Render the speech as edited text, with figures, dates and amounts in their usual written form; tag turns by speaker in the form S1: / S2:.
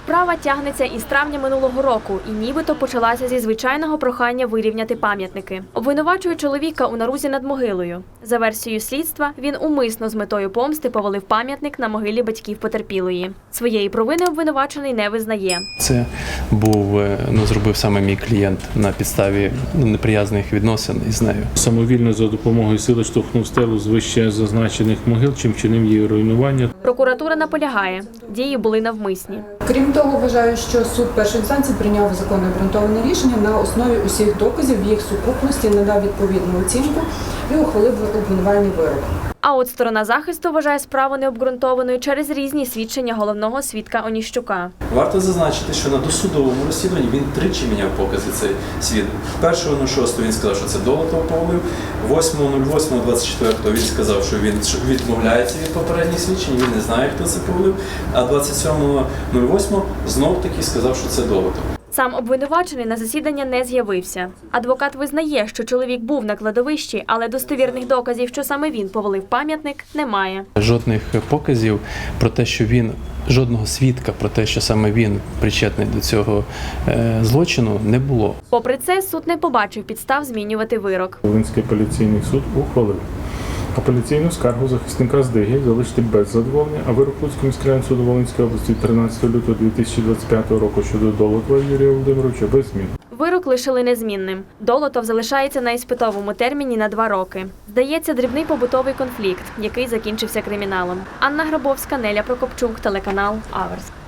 S1: Справа тягнеться із травня минулого року і нібито почалася зі звичайного прохання вирівняти пам'ятники. Обвинувачують чоловіка у нарузі над могилою. За версією слідства, він умисно з метою помсти повалив пам'ятник на могилі батьків потерпілої. Своєї провини обвинувачений не визнає.
S2: Це зробив саме мій клієнт на підставі неприязних відносин із нею.
S3: Самовільно за допомогою сили штовхнув стелу з вище зазначених могил, чим вчинив її руйнування.
S1: Прокуратура наполягає, дії були навмисні.
S4: Крім того, вважаю, що суд першої інстанції прийняв законне обґрунтоване рішення на основі усіх доказів, в їх сукупності надав відповідну оцінку і ухвалив обвинувальний вирок.
S1: А от сторона захисту вважає справу необґрунтованою через різні свідчення головного свідка Оніщука.
S5: Варто зазначити, що на досудовому розслідуванні він тричі міняв покази цей свідок. 1.06 він сказав, що це Долотов повалив, 8.08.24 він сказав, що він відмовляється від попередніх свідчень, він не знає, хто це повалив, а 27.08 знов-таки сказав, що це Долотов.
S1: Сам обвинувачений на засідання не з'явився. Адвокат визнає, що чоловік був на кладовищі, але достовірних доказів, що саме він повалив пам'ятник, немає.
S2: Жодних показів про те, що жодного свідка про те, що саме він причетний до цього злочину, не було.
S1: Попри це, суд не побачив підстав змінювати вирок.
S3: Волинський апеляційний суд ухвалив апеляційну скаргу захисника Здиги залишити без задоволення, а вирок Луцького міськрайонного суду Волинської області 13 лютого 2025 року щодо Долотова Юрія Володимировича без змін.
S1: Вирок лишили незмінним. Долотов залишається на іспитовому терміні на 2 роки. Здається, дрібний побутовий конфлікт, який закінчився криміналом. Анна Грабовська, Неля Прокопчук, телеканал Аверс.